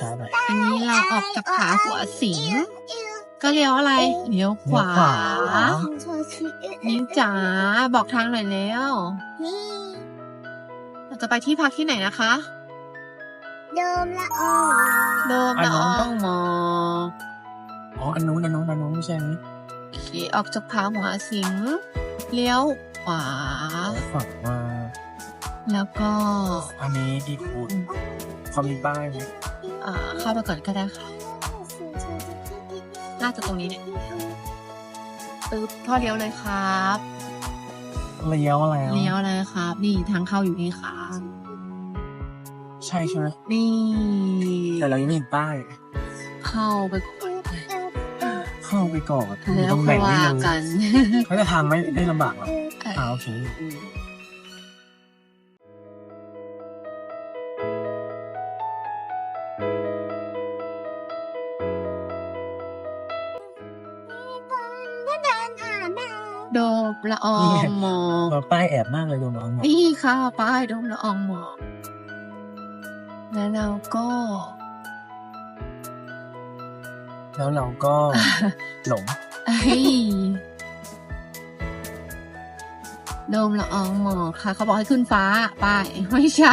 ช้าๆหน่อยอันนี้เราออกจากผาหัวสิงก็เลี้ยวอะไรเลี้ยวขวานิ้วจ๋าบอกทางหน่อยแล้วเราจะไปที่พักที่ไหนนะคะโดมละอองโดมละอองหมอกอ๋ออันนู้นไม่ใช่ไหมขี่ออกจากผาหัวสิงเลี้ยวขวาฝั่งมาแล้วก็อันนี้ที่คุณเขามีป้ายไหมเข้าไปก่อนก็ได้ค่ะน่าจะตรงนี้เนี่ยพ่อเลี้ยวเลยครับเลี้ยวอะไรเลี้ยวเลยครับนี่ทางเข้าอยู่นี่ค่ะใช่ไหมนี่แต่เรายังไม่เห็นป้ายเข้าไปก่อนแล้วค่อยว่ากันเขาจะทางไม่ลำบากหรอโอเคโดมละอองหมอกป้ายแอบมากเลยโดมละอองหมอกนี่ค่ะป้ายโดมละอองหมอกแล้วเราก็หลงโดมละอองหมอกค่ะเขาบอกให้ขึ้นฟ้าป้ายไม่ใช่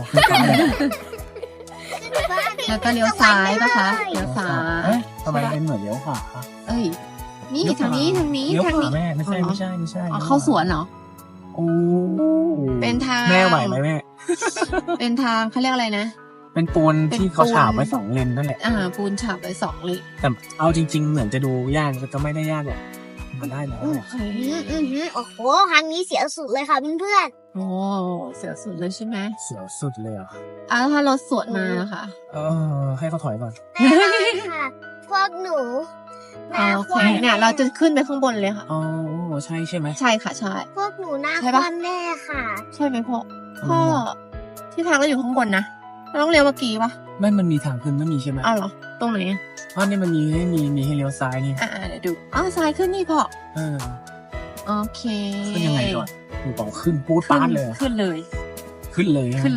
แล้วก็เลี้ยวซ้ายป่ะคะเลี้ยวซ้ายทำไมเป็นเหมือนเลี้ยวขวานี่ทางนี้เลี้ยวขวาแม่ไม่ใช่เข้าสวนเหรอโอ้เป็นทางแม่ไหวไหมแม่เป็นทางเขาเรียกอะไรนะเป็นปูนที่เขาฉาบไว้2 เลนนั่นแหละปูนฉาบไว้2 เลนแต่เอาจริงๆเหมือนจะดูยากก็ไม่ได้ยากหรอกมันได้แล้วโอ้โหครั้งนี้เสียวสุดเลยค่ะเพื่อนโอ้เสียวสุดเลยใช่ไหมเสียวสุดเลยถ้ารถสวนมาค่ะให้เขาถอยก่อนค่ะพวกหนูโอเคเนี่ยเราจะขึ้นไปข้างบนเลยค่ะใช่ไหมใช่ค่ะใช่พวกหนูหน้าความแน่ค่ะใช่ไหมพ่อที่ทางเราอยู่ข้างบนนะเราต้องเลี้ยวเมื่อกี้ปะไม่มันมีทางขึ้นไม่มีใช่ไหมเหรอตรงไหนเพราะนี่มันมีให้เลี้ยวซ้ายนี่เดี๋ยวดูซ้ายขึ้นนี่พ่อโอเคขึ้นยังไงก่อนหนูบอกขึ้นปูดปาดเลยขึ้นเลยค่ะขึ้นเลยค่ะขึ้น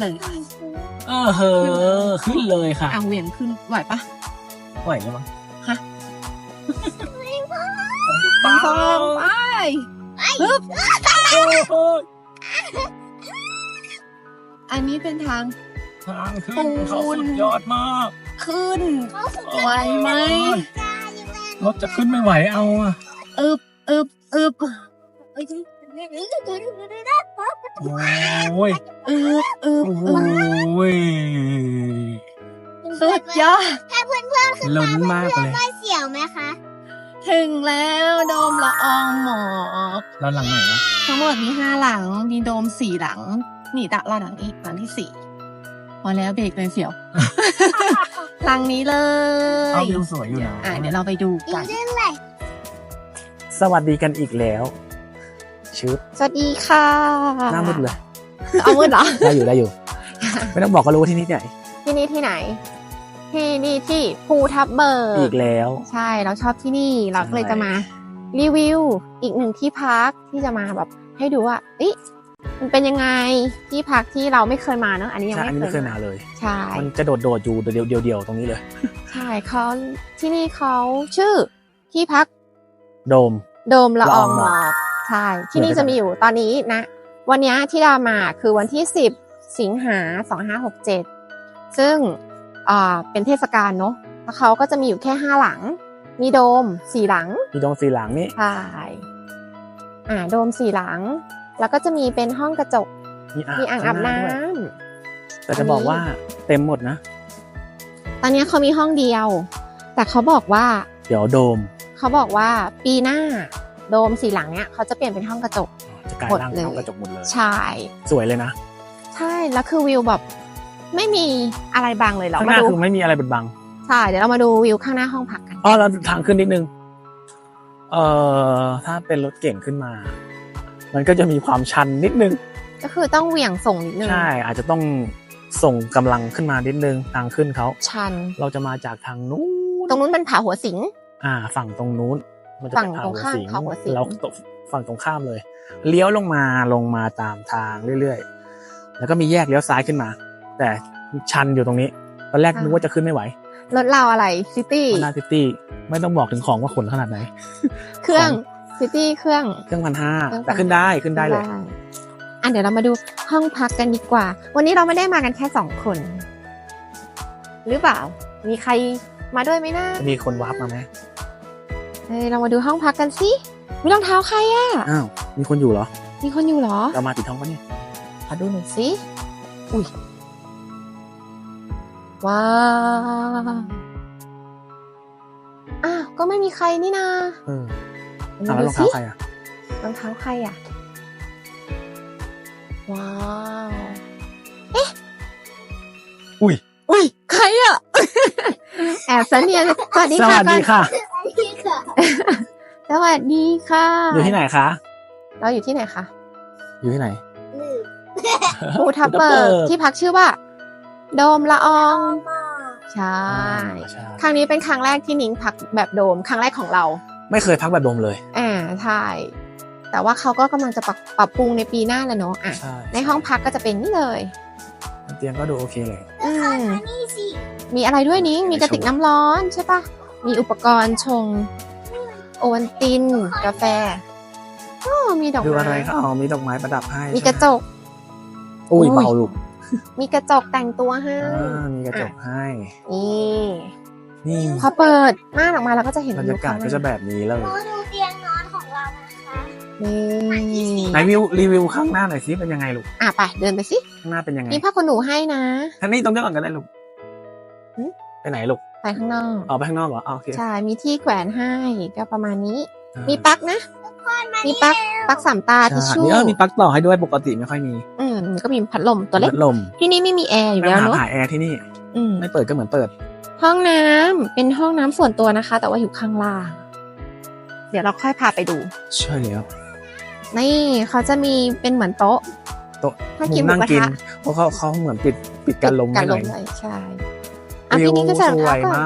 เลยค่ะเหวี่ยงขึ้นไหวปะไหวแล้วมั้งฮะสองไปปึ๊บอันนี้เป็นทางขึ้นเขาสุดยอดมากขึ้นไหวไหมรถจะขึ้นไม่ไหวเอาอึบโอ้ยสุดยอดถ้าเพื่อนๆขึ้นมามากเลยไม่เสียวไหมคะถึงแล้วโดมละอองหมอกแล้วหลังไหนวะทั้งหมดมี5 หลังมีโดม4 หลังนี่ตะละหลังอีกหลังที่4พอแล้วเบรกเลยเสียวหลังนี้เลยวิวสวยอยู่นะเดี๋ยวเราไปดูกันสวัสดีกันอีกแล้วสวัสดีค่ะหน้ามืดเลยเอามืดเหรอได้อยู่ไม่ต้องบอกก็รู้ว่าที่นี่ที่ไหนที่นี่ที่ภูทับเบิกอีกแล้วใช่เราชอบที่นี่เราก็เลยจะมารีวิวอีก1ที่พักที่จะมาแบบให้ดูว่ามันเป็นยังไงที่พักที่เราไม่เคยมาเนอะอันนี้ยังไม่เคยมาเลยใช่มันจะโดดอยู่เดียวตรงนี้เลยใช่เขาที่นี่เขาชื่อที่พักโดมละอองหมอกใช่ที่นี่จะมีอยู่ตอนนี้นะวันนี้ที่เรามาคือวันที่10 สิงหา2567ซึ่งเป็นเทศกาลเนอะแล้วเขาก็จะมีอยู่แค่5 หลังมีโดม4 หลังนี่ใช่โดม4 หลังแล้วก็จะมีเป็นห้องกระจกมีอ่างอาบน้ำแต่จะบอกว่าเต็มหมดนะตอนนี้เขามีห้องเดียวแต่เขาบอกว่าเดี๋ยวโดมเขาบอกว่าปีหน้าโดม4 หลังเนี้ยเขาจะเปลี่ยนเป็นห้องกระจกจะกลายร่างห้องกระจกหมดเลยใช่สวยเลยนะใช่แล้วคือวิวแบบไม่มีอะไรบังเลยเหรอข้างหน้าคือไม่มีอะไรบังใช่เดี๋ยวเรามาดูวิวข้างหน้าห้องพักกันแล้วทางขึ้นนิดนึงถ้าเป็นรถเก่งขึ้นมามันก็จะมีความชันนิดนึงก็คือต้องเหวี่ยงส่งนิดนึงใช่อาจจะต้องส่งกำลังขึ้นมานิดนึงทางขึ้นเขาชันเราจะมาจากทางนู้นตรงนู้นเป็นผาหัวสิงฝั่งตรงนู้นมันจะเป็นผาหัวสิงเราฝั่งตรงข้ามเลยเลี้ยวลงมาตามทางเรื่อยๆแล้วก็มีแยกเลี้ยวซ้ายขึ้นมาแต่ชันอยู่ตรงนี้ตอนแรกนึกว่าจะขึ้นไม่ไหวรถเราอะไรซิตี้ Honda City ไม่ต้องบอกถึงของว่าขนขนาดไหนเครื่องซิตี้เครื่องเครื่อง1,500 เครื่องแต่ขึ้นได้เลยอ่ะเดี๋ยวเรามาดูห้องพักกันดีกว่า วันนี้เราไม่ได้มากันแค่2 คน หรือเปล่า มีใครมาด้วยไหมนะจะมีคนวาร์ปมาไหมเรามาดูห้องพักกันสิมีรองเท้าใครอ่ะอ้าวมีคนอยู่เหรอมีคนอยู่เหรอเรามาติดห้องปะเนี่ยขอดูหน่อยสิอุ้ยว้าว อ้าว ก็ไม่มีใครนี่นาเออมาแล้วดูรองสิเท้าใครอ่ะรองเท้าใครอ่ะ ว้าว อุ้ย ใครอ่ะ แอบสันเนียนสวัสดีสค่ะวัสดีค่ะพี่ค่ะสวัสดีค่ะอยู่ที่ไหนคะเราอยู่ที่ไหนคะอยู่ที่ไหนลืมภูทับเบิกที่พักชื่อว่า โดมละออง ใช่ใช่ครั้งนี้เป็นครั้งแรกที่นิ้งพักแบบโดม ครั้งแรกของเราไม่เคยพักแบบโดมเลยใช่ แต่ว่าเขาก็กำลังจะปรับปรุงในปีหน้าแล้วเนาะใช่ในห้องพักก็จะเป็นนี่เลยเตียงก็ดูโอเคเลยอืมนี่สิมีอะไรด้วยนิ้งมีกระติกน้ำร้อนใช่ปะมีอุปกรณ์ชง โอวัลติน กาแฟมีดอกดูไม้อะไรคะอ๋อมีดอกไม้ประดับให้มีกระจกอุ้ยเบาลูกมีกระจกแต่งตัวให้มีกระจกให้นี่นี่พอเปิดม่านออกมาเราก็จะเห็นบรรวิยาว กาศข้างหก็น้าจะแบบนี้เลยมาดูเตียงนอนของเรานะคะนี่ไหนรีวิวข้างหน้าหน่อยสิเป็นยังไงลูกไปเดินไปสิข้างหน้าเป็นยังไงมีผ้าขนหนูให้นะท่างนี้ตรงนี้ก่อนก็ได้ลูกหืมไปไหนลูกไปข้างนอกออกไปข้างนอกเหรออ๋อโอเคใช่ มีที่แขวนให้ก็ประมาณนี้อ่ามีปลั๊กนะ มีปลั๊กสามตาใช่ทิชชู่นี่มีปลั๊กต่อให้ด้วยปกติไม่ค่อยมีก็มีพัดลมตัวเล็กพัดลมที่นี่ไม่มีแอร์อยู่ไม่แล้วหาเนาะหาแอร์ที่นี่อืมไม่เปิดก็เหมือนเปิดห้องน้ำเป็นห้องน้ำส่วนตัวนะคะ แต่ว่าอยู่ข้างล่าง เดี๋ยวเราค่อยพาไปดูใช่แล้วนี่เขาจะมีเป็นเหมือนโต๊ะโต๊ะถ้ากินมุมนั่งหมูกระกินทะเพราะเขาเหมือนปิดการลมกัให้นหลน่อมยเลยใช่วิพี่วนี่ก็จะสวยก่อนมาก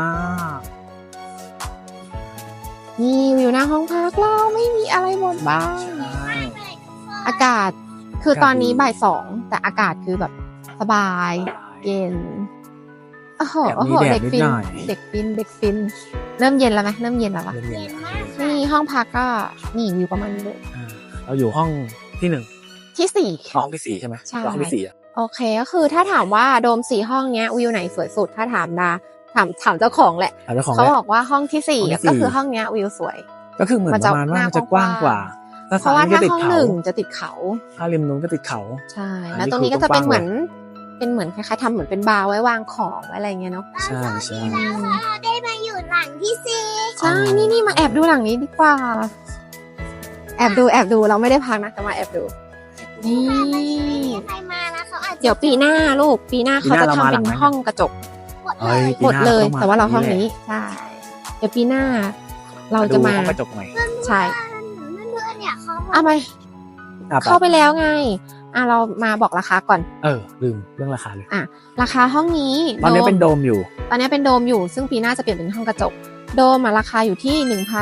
นี่วิวหน้าห้องพักเราไม่มีอะไรหมดบ้างใช่อากาศคืออากาศตอนนี้ดีบ่าย 2แต่อากาศคือแบบสบาย เย็นโอ้โหแอบโอ้มีโหแดดเด็กนิดฟินหน่อยเด็กฟินเริ่มเย็นแล้วไหมเริ่มเย็นแล้ววะเย็นเย็นมากๆนี่ห้องพักก็นี่วิวประมาณนี้เลยเราอยู่ห้องที่ 1 ที่ 4 ห้องที่ 4ใช่ไหมใช่ห้องที่4อ่ะโอเคก็คือถ้าถามว่าโดม4ห้องเนี้ยวิวไหนสวยสุดถ้าถามถามเจ้าของแหละเอาเจ้าของเขาแหละบอกว่าห้องที่ห้องที่ 4 ก็คือ 4 ห้องเนี้ยวิวสวยก็คือเหมือนประมาณว่ามันจะกว้างกว่าเพราะว่าก็ถ้าติดห้องเขาหนึ่งจะติดเขาถ้าริมนู้นก็ติดเขาใช่อันนี้แล้วตรงนี้คือก็จะเป็นกว้างเหมือนคล้ายๆทำเหมือนเป็นบาร์ไว้วางของไว้อะไรเงี้ยเนาะใช่ใช่เราได้มาอยู่หลังที่สี่ใช่นี่มาแอบดูหลังนี้ดีกว่า แอบดูเราไม่ได้พักนะแต่มาแอบดู นี่ใครมาแล้วเขาอาจจะเดี๋ยวปีหน้าลูกปีหน้าเขาจะทำเป็นห้องกระจกหมดเลเอ้ยยปีหมดน้เลยองมแต่ว่าเราห้องแหละนี้ใช่เดี๋ยวปีหน้า เราจะมาดูห้องกระจกใหม่ใช่เพื่อนๆเนี่ยเขาเอาไปอ่ะเข้าไปแล้วไงเรามาบอกราคาก่อนลืมเรื่องราคาเลยราคาห้องนี้ตอนนี้เป็นโดมอยู่ตอนนี้เป็นโดมอยู่ซึ่งปีหน้าจะเปลี่ยนเป็นห้องกระจก โดมราคาอยู่ที่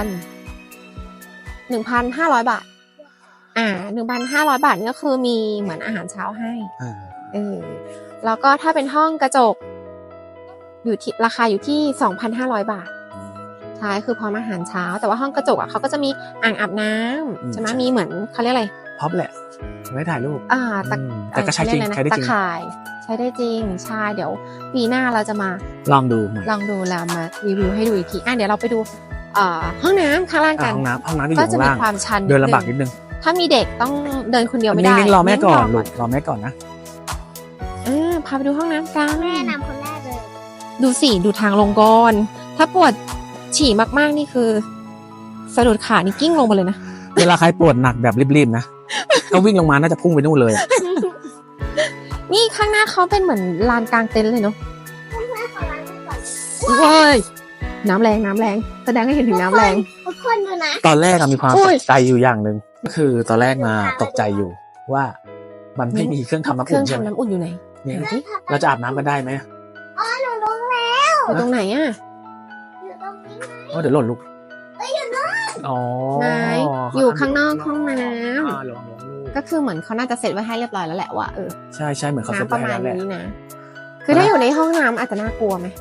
1,500 บาท 1,500 บาทนี่ก็คือมีเหมือนอาหารเช้าให้ แล้วก็ถ้าเป็นห้องกระจก อยู่ที่ราคาอยู่ที่ 2,500 บาท ใช่คือพร้อมอาหารเช้า แต่ว่าห้องกระจกเขาก็จะมีอ่างอาบน้ำใช่ไหมมีเหมือนเขาเรียกอะไรพ็อปแหละไว้ถ่ายรูป แต่ก็ใช้จริงเขาใช้เยกอะได้จริงตะข่ายใช้ได้จริงใช่เดี๋ยวปีหน้าเราจะมาลองดูใหม่ลองดูแล้วมารีวิวให้ดูอีกทีเดี๋ยวเราไปดูห้องน้ำข้างล่างกันห้องน้ำที่อก็ยู่จะข้างมีล่างความชันเดินลำบากนิดนึงถ้ามีเด็กต้องเดินคนเดียวไม่ได้นิ่งๆรอแม่ก่อนงลูกรอแม่ก่อนนะพาไปดูห้องน้ำกันแม่นำคนแรกเลยดูสิดูทางลงก่อนถ้าปวดฉี่มากๆนี่คือสะดุดขานี่กิ้งลงไปเลยนะเวลาใครปวดหนักแบบรีบๆนะก็วิ่งลงมาน่าจะพุ่งไปนู่นเลยอะนี่ข้างหน้าเขาเป็นเหมือนลานกลางเต็นท์เลยเนาะเพื่อนๆขอล้างมือก่อนเว้ยน้ำแรงแสดงให้เห็นถึงน้ำแรงทุกคนดูนะตอนแรกมีความอุ้ตยกใจอยู่อย่างหนึ่งก็คือตอนแรกมาตกใจอยู่ว่ามันไม่มีเครื่องทำน้ำเครื่อุ่อน งใช่ไหมทำน้ำอุ่นอยู่ไหนเนี่ยไหนดิเราจะอาบน้ำกันได้ไหมอ๋อหนูรู้แล้วอยู่ตรงไหนอ่ะอยู่ตรงนี้นะเดี๋ยวหล่นลูกอ๋อไหนอยู่ข้างนอกห้องน้ลองลูกำก็คือเหมือนเขาน่าจะเสร็จไว้ให้เรียบร้อยแล้วแหละว่าใช่เหมือนเขาเซ็ตน้ำประไว้มาณแล้วแหละนี้นะคือถ้าอยู่ในห้องน้ำอาจจะน่ากลัวไหม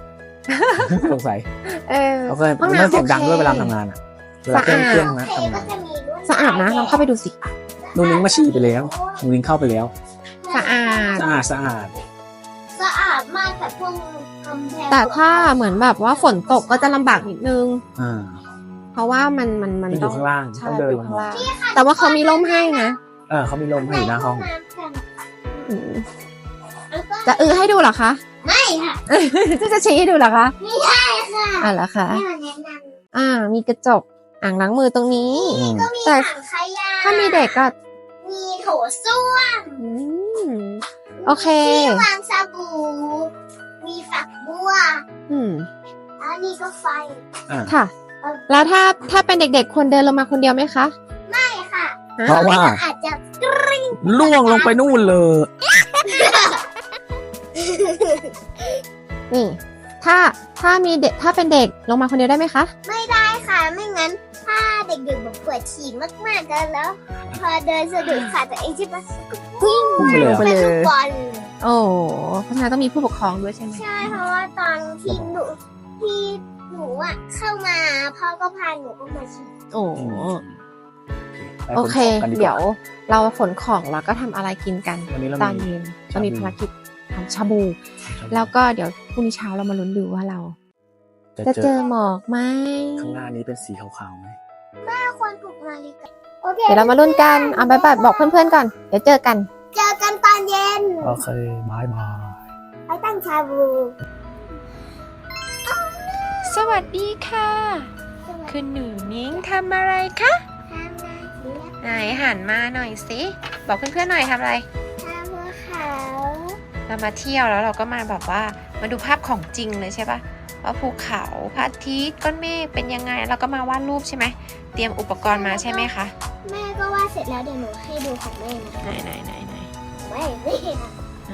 สงสัย โอเคห้องไม่น้ำเสียงดังด้วยโอเคเวลาทำงานอ่ะเวลาเครื่องนะเคทำก็งานจะมีลวดสะอาดนะลองเข้าไปดูสินูนิ้งมาฉี่ไปแล้วนูนิ้งเข้าไปแล้วสะอาดสะอาดสะอาดสะอาดมากแต่พวกกำแพงแต่ถ้าเหมือนแบบว่าฝนตกก็จะลำบากนิดนึงอ่าเพราะว่ามันมันอยู่ข้างล่างใช่ต้องเดินอยู่ลงข้างมาล่างแต่ว่าเขามีร่มให้นะเขามีลมให้อยู่หน้าห้องอืมจะให้ดูเหรอคะไม่ค่ะจะชี้ให้ดูเหรอคะไม่ใช่ค่ะเหรอคะแม่มาแนะนมีกระจกอ่างล้างมือตรงนี้อืมำก็มีแต่ถังขยะถ้ามีเด็กก็มีโถส้วมอืม โอเคที่วางสบู่มีฝักบัวอืมแล้วนี่ก็ไฟค่ะ แล้วถ้าเป็นเด็กๆควรเดินลงมาคนเดียวไหมคะไม่ค่ะเพราะว่าอาจจะล่วงลงไปนู่นเลยนี่ ถ้ามีเด็กถ้าเป็นเด็กลงมาคนเดียวได้ไหมคะไม่ได้ค่ะ ไม่งั้น ถ้าเด็กๆแบบปวดฉี่มากๆกันแล้ว พอเดินสะดุดขาตัวเองใช่ปะก็วิ่งไปเลยเป็นลูกบอลโอ้เพราะฉะนั้นต้องมีผู้ปกครองด้วยใช่ไหมใช่เพราะว่าตอนที่หนูอ่ะเข้ามาพ่อก็พาหนูก็มาฉี่โอ้ไปโอเคขนของกันกาเดี๋ยวเราขนของแล้วก็ทำอะไรกินกันวันนี้เราตอนมีเย็นเรามีชาบูภารกิจทำชาบู แล้วก็เดี๋ยวพรุ่งนี้เช้าเรามาลุ้นดูว่าเราจะจะเจเจออหมอกไหมข้างหน้านี้เป็นสีขาวๆไหมถ้าควรปลุกนาฬิกาโอเคเดี๋ยวเรามาลุ้นกันเอาไปบอกเพื่อนๆก่อน เดี๋ยวเจอกันเจอกันตอนเย็นโอเคบายบายไปตั้งชาบูสวัสดีค่ะ คุณหนูนิ้งทำอะไรคะทำนาเสียไหนหันมาหน่อยสิบอกเพื่อนๆหน่อยทำอะไรทำภูเขาเรามาเที่ยวแล้วเราก็มาแบบว่ามาดูภาพของจริงเลยใช่ปะว่าภูเขาพระอาทิตย์ก้อนเมฆเป็นยังไงเราก็มาวาดรูปใช่ไหมเตรียมอุปกรณ์มาใช่ไหมคะแม่ก็วาดเสร็จแล้วเดี๋ยวหนูให้ดูของแม่นะไหนไม่ค่ะ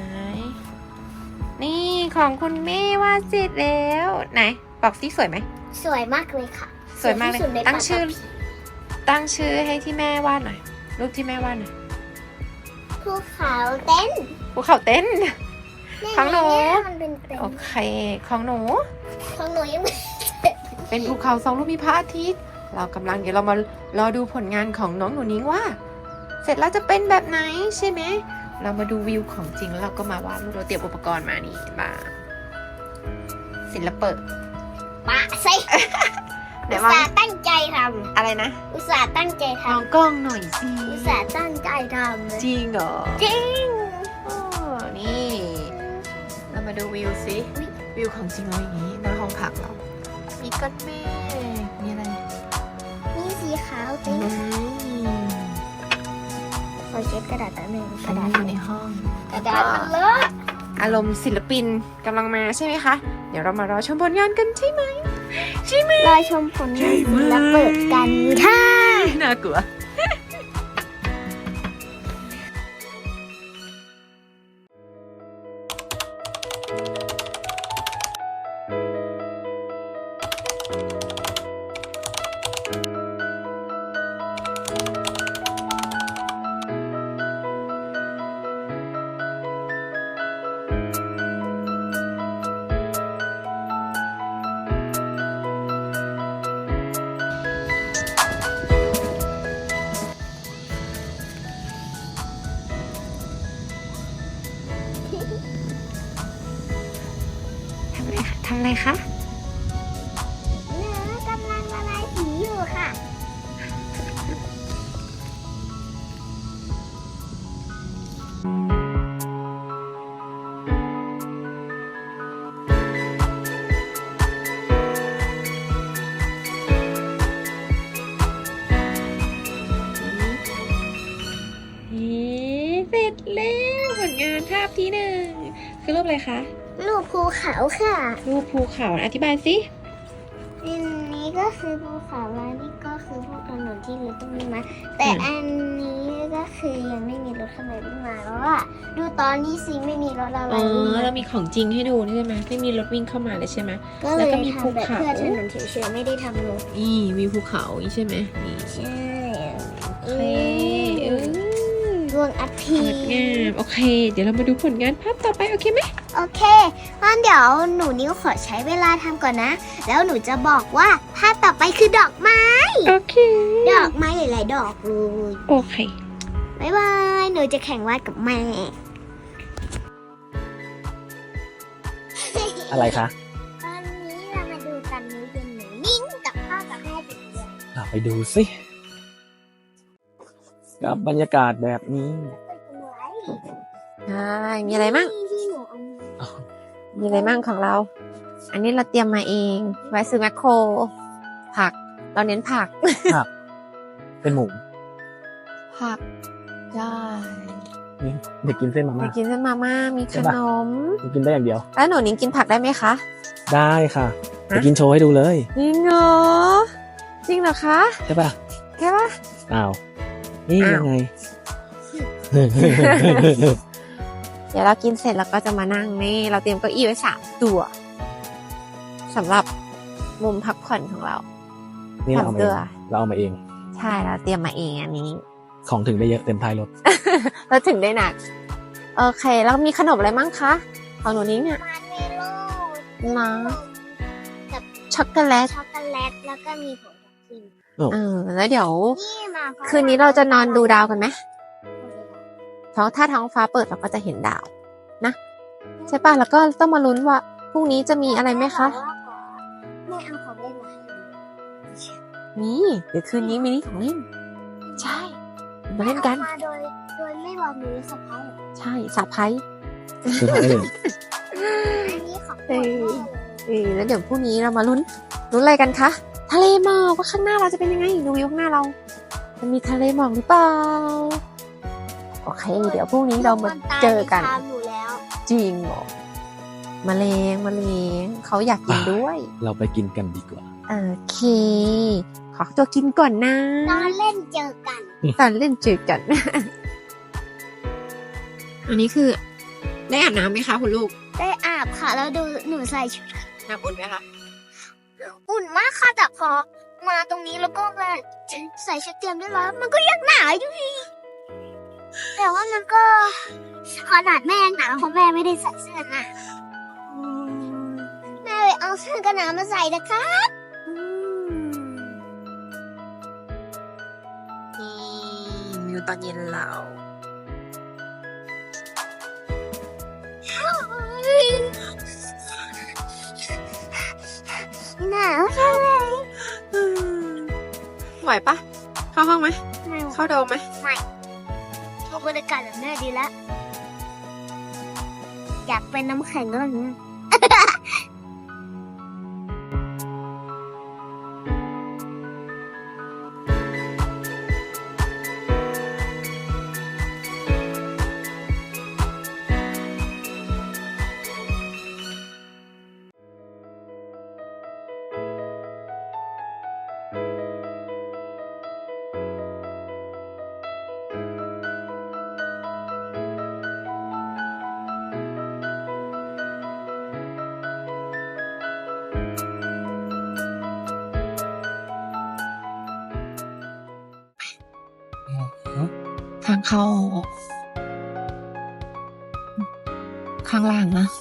นี่ของคุณแม่วาดเสร็จแล้วไหนบอกสิสวยไหมสวยมากเลยค่ะสวยมากเลยที่สุดในตั้งชื่อปัตตภีตั้งชื่อให้ที่แม่วาดหน่อยรูปที่แม่วาดหน่อยภูเขาเต้นภูเขาเต้น ของหนูเนี่ยมันเป็นเต้นโอเคของหนูของหนูยังไม่เป็นภูเขาสองลูกมีพระอาทิตย์เรากำลังเดี๋ยวเรามารอดูผลงานของน้องหนูนิ้งว่า เสร็จแล้วจะเป็นแบบไหนใช่ไหมเรามาดูวิวของจริงแล้วเราก็มาวาดรูปเราเตรียมอุปกรณ์มานี่มาศิลปะปะสิเดี๋อุยวตมาส่าห์ตั้งใจทอะไรนะำอุตส่าห์ตั้งใจทมองกล้องหน่อยสิำอุตส่าห์ตั้งใจทำเลยจริงเหรอจริงอ๋อนี่เรามาดูวิวสิวิวของจริงเราอย่างนี้หน้าห้องพักเรามีก้อนเมฆมีอะไรมีสีขาวอืเต็มมขอเช็ดกระดาษแป๊บนึงกกระระดาดาษษอยู่ในห้องกระดาษมันเลอะอารมณ์ศิลปินกำลังมาใช่ไหมคะ เดี๋ยวเรามารอชมผลงานกันใช่ไหมรอชมผลงานศิลปะกันค่ะน่ากลัว ทำอะไรคะเนื้อกำลังละลายสีอยู่ค่ะเสร็จแล้วผลงานภาพที่หนึ่งคือรูปอะไรคะรูปภูเขาค่ะรูปภูเขาอธิบายสิอันนี้ก็คือภูเขาแล้วนี่ก็คือพวกถนนที่รถต้องวิ่งมา แต่อันนี้ก็คือยังไม่มีรถข้างในวิ่งมาแล้วอะดูตอนนี้สิไม่มีรถอะไรอ๋อวิ่งมาเรามีของจริงให้ดูใช่ไหมไม่มีรถวิ่งเข้ามาเลยใช่ไหมก็แล้เลวย ก็มีภูทำแบบเขาเพื่อถนนเฉยๆไม่ได้ทำรถนี่วิวภูเขาใช่ไหมนี่ใช่โอเควงอาทิงตดย์งามโอเค เดี๋ยวเรามาดูผลงานภาพต่อไปโอเคไหมโอเคงั้นเดี๋ยวหนูนิ้วขอใช้เวลาทำก่อนนะ แล้วหนูจะบอกว่าภาพต่อไปคือดอกไม้โอเคดอกไม้หลายๆดอกเลยโอเคบ๊ายบาย หนูจะแข่งวาดกับแม่อะไรคะตอนนี้เรามาดูกันนี้เป็นหนูนิ่งกับพ่อกับแม่ติดเดียวไปดูสิกับบรรยากาศแบบนี้ใช่ มีอะไรมั่งที่หนูเอามามีอะไรมั่งของเรา อันนี้เราเตรียมมาเอง ไว้ซื้อแมคโคร ผัก เราเน้นผักเป็นหมูผัก ได้นี่เด็กกินเส้นมามีม่ากินเส้นมาม่า มีขนมเด็กกินได้อย่างเดียวแล้วหนูนิ้งกินผักได้ไหมคะได้ค่ะฮะจะกินโชว์ให้ดูเลยจริงเหรอ จริงเหรอคะใช่ป่ะแค่ปะอ้าว นี่อ้าวยังไงเดี๋ยวเรากินเสร็จแล้วก็จะมานั่งนี่ เราเตรียมเก้าอี้ไว้3 ตัวสำหรับมุมพักผ่อนของเรานี่เราเอามาเอง 3 เราเอามาเองใช่เราเตรียมมาเองอันนี้ของถึงได้เยอะเต็มท้ายรถเราถึงได้หนัก โอเค แล้วมีขนมอะไรมั่งคะของหนูนิ้งเนี่ยมาร์เมโล่นะกับช็อกโกแลตช็อกโกแลตแล้วก็มีผงทับทิมแล้วเดี๋ยวนี่มาเพราะคืนนี้เราจะนอนดูดาวกันไหมท้องถ้าท้องฟ้าเปิดเราก็จะเห็นดาวนะใช่ป่ะแล้วก็ต้องมาลุ้นว่าพรุ่งนี้จะมีอะไรไหมคะแม่เอาของเล่นมาให้หนูมีเดี๋ยวคืนนี้มีนี่ของเล่น ใช่มาเล่นกันมาโดยไม่บอกหนูสะพ้ายใช่สาไพรส์คือท้ายเลยอันนี้ของโปรดแม่เลยแล้วเดี๋ยวพรุ่งนี้เรามาลุ้นอะไรกันคะทะเลหมอกว่าข้างหน้าเราจะเป็นยังไงดูวิวข้างหน้าเราจะมีทะเลหมอกหรือเปล่าโอเค เดี๋ยวพรุ่งนี้เรามาเจอกันตามหนูแล้วจริงเหรอมะเร็งเขาอยากกินด้วยเราไปกินกันดีกว่าโอเค ขอตัวกินก่อนนะตอนเล่นเจอกันตอนเล่นจืดกัน อันนี้คือ ได้อาบน้ำไหมคะคุณลูกได้อาบค่ะ แล้วดูหนูใส่ชุดน้ำอุ่นไหมคะอุ่นมากค่ะแต่พอมาตรงนี้แล้วก็มาใส่ชุดเตรียมได้แล้วมันก็ยังหนาวอยู่ดีแต่ว่ามันก็ขนาดแม่ยังหนาวเพราะแม่ไม่ได้ใส่เสื้อนะแม่ไปเอาเสื้อกันหนาวมาใส่นะครับนี่วิวตอนเย็นเราหนาวใช่ไหมไหวปะเข้าห้องไหมไม่เข้าโดมไหมชอบบรรยากาศแบบแม่ดีแล้ว อยากเป็นน้ำแข็งก็แบบนี้ทางเข้าข้างล่างนะ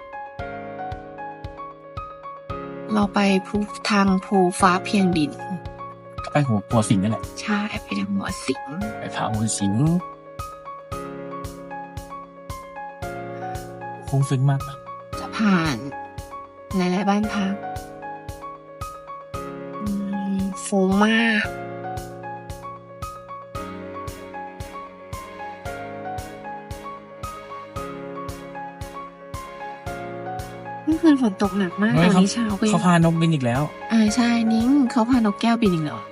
เราไปทางภูฟ้าเพียงดินไปหัวสิงนั่นแหละใช่ไปทางหัวสิงไปพาหัวสิงคงซึ้งมากนะจะผ่านหลายๆบ้านพักฟูงมากเมื่อคืนฝนตกหนักมากตอนนี้เช้าก็ยัเขางพานกบินอีกแล้วใช่นิ้งเขาพานกแก้วบินอีกเหรอ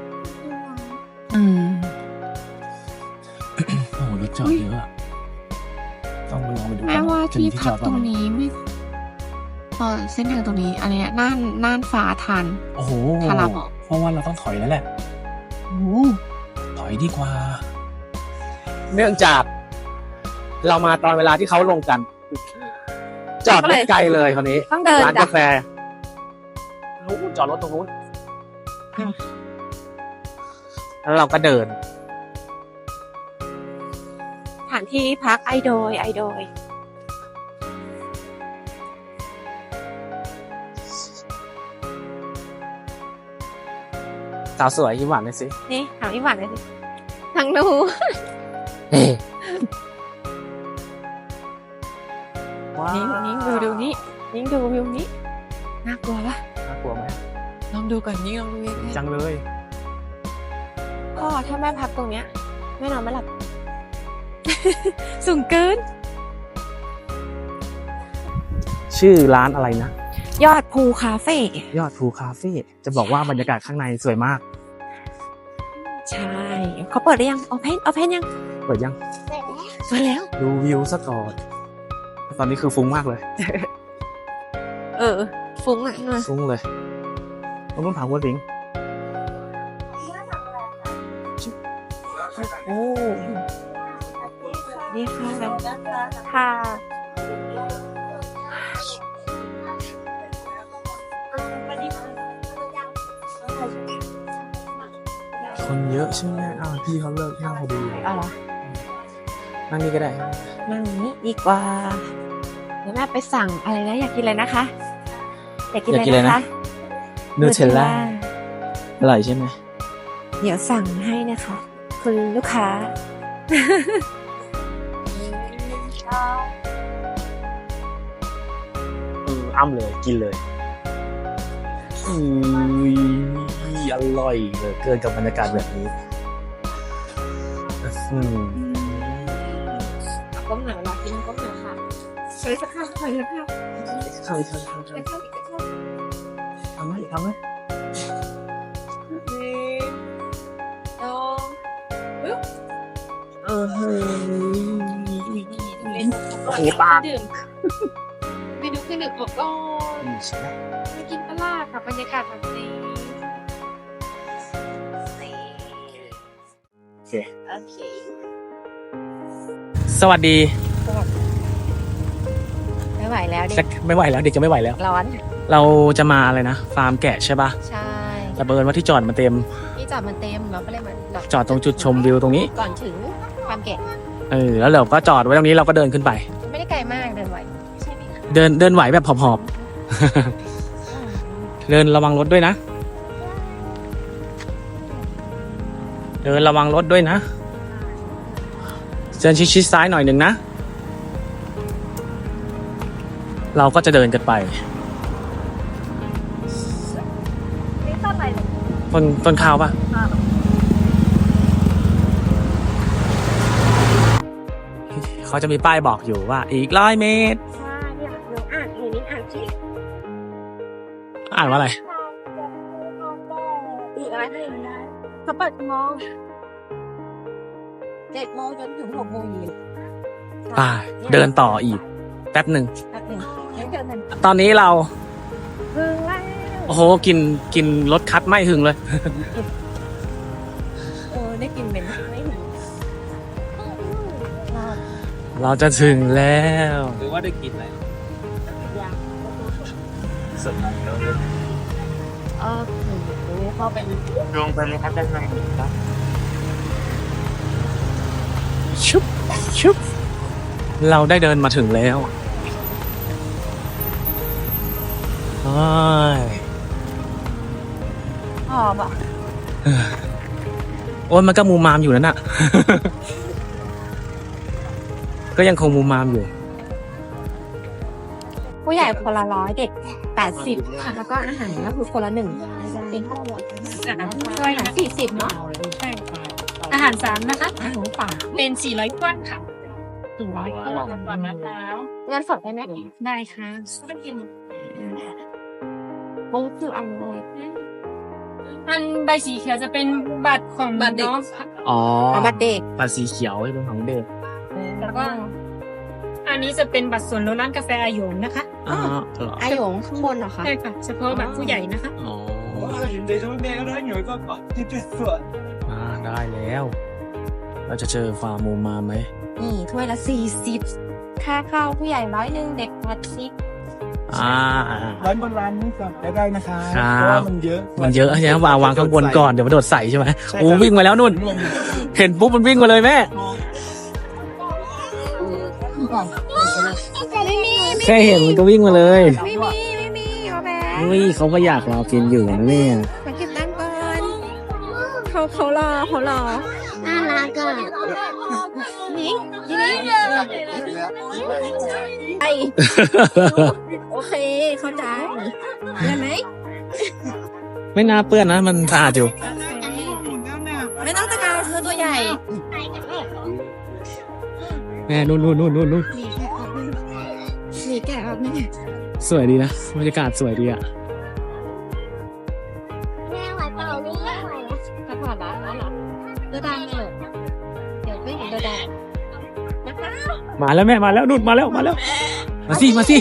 โอ้โหรถจอดเยอะอะต้องลองไปดูแม้ว่าจะที่มีพักจอดตรงเปล่านี้ไม่เส้นทางตรงนี้อะไรเนี่ยน่านฟ้าทันโอ้โหทาราบอกเพราะว่าเราต้องถอยแล้วแหละโอ้ถอยดีกว่า เนื่องจาก เรามาตอนเวลาที่เขาลงกัน จอดไม่ไกลเลยคนนี้ต้องเดินร้านจ้ะกาแฟนู้นจอดรถตรงนู้นแล้วเราก็เดินสถานที่พักไอโดยสาวสวยยิ้มหวานหน่อยสินี่ถามอีหวานเลยสิทางดูเฮ้นิ้งดูนี่นิ้งดูวิวนี้น่ากลัวปะน่ากลัวไหมลองดูก่อนนิ้งลองดูเองจังเลยก็ถ้าแม่พักตรงเนี้ยแม่นอนไม่หลับ สูงเกินชื่อร้านอะไรนะยอดภูคาเฟ่ยอดภูคาเฟ่จะบอกว่าบรรยากาศข้างในสวยมากใช่เขาเปิดหรือยังโอเพนยังเปิดยังเปิดแล้วดูวิวซะก่อนตอนนี้คือฟุ้งมากเลยฟุ้งอ่ะฟุ้งเลยต้องถามว่าลิงโอ้นี่ค่ะค่ะคนเยอะใช่ไหมอ้าวพี่เขาเลิกนั่งพอดีเอาเหรอนั่งนี่ก็ได้นั่งนี้ดีกว่าเดี๋ยวแม่ไปสั่งอะไรนะอยากกินอะไรนะคะอยากกินอะไรนะคะนูเทลล่าอร่อยใช่ไหมเดี๋ยวสั่งให้นะคะ คุณลูกค้าอ้ำเลยกินเลยอร่อยเลยเกินกับบรรยากาศแบบนี้ก้มหน่อยรอกินก้มหน่อยค่ะใส่สักข้าวใส่สักข้าวทำไหม โอ้โหปากดื่มเมนูเครื่องดื่มอบก่อนใช่ไหมมากินปลาค่ะบรรยากาศแบบนี้โอเคโอเคสวัสดีไม่ไหวแล้วเด็จะกไม่ไหวแล้วเด็กจะไม่ไหวแล้วร้อนเราจะมาอะไรนะฟาร์มแกะใช่ปะใช่แต่เบิร์นว่าที่จอดมันเต็มที่จอดมันเต็มเราก็เลยมาจอดตรงจุดชมวิวตรงนี้ก่อนถึงความแก่แล้วเราก็จอดไว้ตรงนี้เราก็เดินขึ้นไปไม่ได้ไกลมากเดินไหวใช่ไหมคะเดินไหวแบบหอบๆ เดินระวังรถด้วยนะ เดินระวังรถด้วยนะเดินชิดๆซ้ายหน่อยหนึ่งนะ เราก็จะเดินกันไปนี่ต้นอะไรเลยต้นข้าวปะเขาจะมีป้ายบอกอยู่ว่าอีก100 เมตรใช่เนี่ยหนูอ่านหนูนี่อ่านที่อ่านว่าอะไรอีกอะไรให้ได้เขาเปิดกี่โมง7 โมงจนถึง6 โมงเย็นป้ายเดินต่ออีกแป๊บหนึ่งแป๊บหนึ่งเดี๋ยวเดินกันตอนนี้เราพึ่งแล้วโอ้โหกินรถคัดไม่หึงเลยได้กินเหม็นไม่ถึงเราจะถึงแล้วหรือว่าได้กินอะไรยังสดเข้าไปลงไปเลยครับด้านในครับชุบเราได้เดินมาถึงแล้วโอ้ยหอมอ่ะโอ้ยมันก็มูมามอยู่นั่นน่ะ ก็ยังคงมูมามอยู่ผู้ใหญ่คนละ100เด็ก80ค่ะแล้วก็อาหารก็คือคนละ1เป็นช่วยนะ40เนาะใช่ค่ะอาหาร3นะคะอาหารป่าเป็น400ก้อนค่ะ400ก้อนก่อนมะพร้าวเงินสดได้ไหมได้ค่ะไม่กินมุ้งคืออันเลยอันใบสีเขียวจะเป็นบัตรของน้องค่ะอ๋อบัตรเด็กบัตรสีเขียวเป็นของเด็กแล้วก็ อันนี้จะเป็นบัตรส่วนลดร้านกาแฟอาหยงนะคะอ๋อเหรออาหยงข้างบนเหรอคะใช่ค่ะ เฉพาะบัตรผู้ใหญ่นะคะอ๋อเดี๋ยวแม่ก็ได้หน่อยก็ก่อนที่จะสวยได้แล้ว เราจะเจอฟาร์มมูมามไหมนี่ถ้วยละ40ค่าเข้าผู้ใหญ่100เด็ก80 ร้านบนร้านนี้ก่อนได้นะคะครับเพราะว่ามันเยอะมันเยอะใช่ไหมวางข้างบนก่อนเดี๋ยวมันโดดใส่ใช่ไหมใช่ครับโอ้วิ่งมาแล้วนุ่น เห็นปุ๊บมันวิ่งมาเลยแม่แค่เห็นมันก็วิ่งมาเลยไม่มีเอาแบอุ้ยเขาก็อยากรอกินอยู่นะเนี่ยมาเก็บตังค์ก่อนเขารอน่ารักอ่ะนี่ไอโอเคเข้าใจได้ไหมไม่น่าเปื้อนนะมันสะอาดอยู่ไม่ต้องตะการเธอตัวใหญ่แม่นู่นมีแกะออกไหมสวยดีนะบรรยากาศสวยดีอ่ะแม่ไหวเปล่าลูกไหวถ้าผ่านร้านแล้วเหรอเดินได้ไหมเดี๋ยวไม่เห็นเดินได้มาแล้วแม่มาแล้วนู่นมาแล้วมาสิมาเร็ว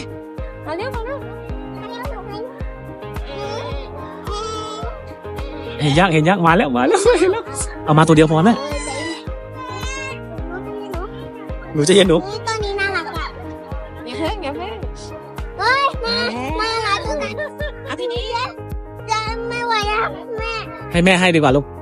เห็นยักษ์มาแล้วเอามาตัวเดียวพอแม่หนูจะเย็นหนูนี่ตัวนี้น่ารักอ่ะอย่าเพิ่งเฮ้ยน่ารักจังเลยเอาทีนี้จะไม่ไหวอ่ะแม่ให้แม่ให้ดีกว่าลูก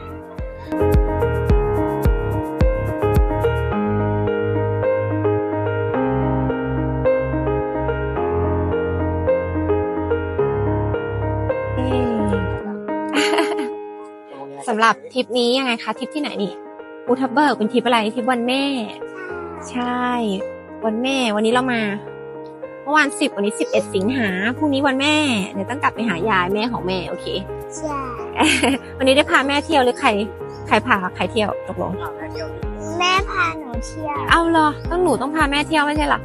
สำหรับทริปนี้ยังไงคะทริปที่ไหนนี่ภูทับเบิกเป็นทริปอะไรทริปวันแม่ ใช่วันแม่วันนี้เรามาเมื่อวาน10วันนี้11สิงหาพรุ่งนี้วันแม่เดี๋ยวต้องกลับไปหายายแม่ของแม่โอเคใช่วันนี้ได้พาแม่เที่ยวหรือใครพาใครเที่ยวตกลงแม่พาหนูเที่ยวเอาเหรอหนูต้องพาแม่เที่ยวไม่ใช่เหรอ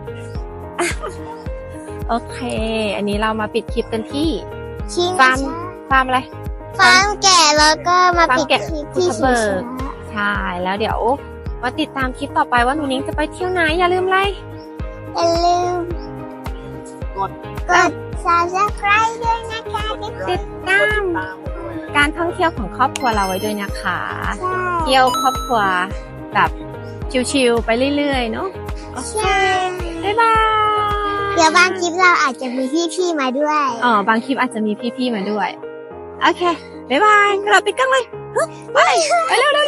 โอเค อันนี้เรามาปิดคลิปกันที่ชิงฟาร์มอะไรฟาร์มแก่แล้วก็มาปิดฟาร์มแกะคลิปภูที่ทับเบิก ใช่แล้วเดี๋ยวมาติดตามคลิปต่อไปว่าหนูนิ้งจะไปเที่ยวไหนอย่าลืมไลค์อย่าลืมกด subscribe ด้วยนะคะติดตามการท่องเที่ยวของครอบครัวเราไว้ด้วยนะคะใช่เที่ยวครอบครัวแบบชิลๆไปเรื่อยๆเนาะโอเคใช่บ๊ายบายเดี๋ยวบางคลิปเราอาจจะมีพี่ๆมาด้วยบางคลิปอาจจะมีพี่ๆมาด้วยโอเคบ๊ายบายเราปิดกล้องเลยไปเร็ว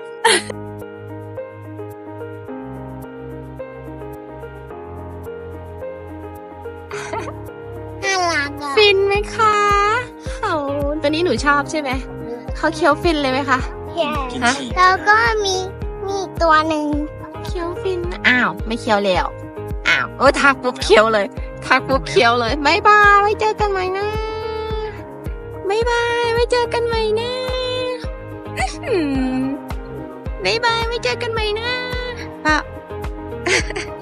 น่ารักอ่ะฟินไหมคะเขาตัวนี้หนูชอบใช่ไหมเขาเคี้ยวฟินเลยไหมคะ ฮะแล้วก็มีอีกตัวหนึ่งเคี้ยวฟินอ้าวไม่เคี้ยวแล้วอ้าวทักปุ๊บเคี้ยวเลยทักปุ๊บเคี้ยวเลยบ๊ายบายไว้เจอกันใหม่นะบ๊ายบายไว้เจอกันใหม่นะบ๊ายบายไว้เจอกันใหม่นะ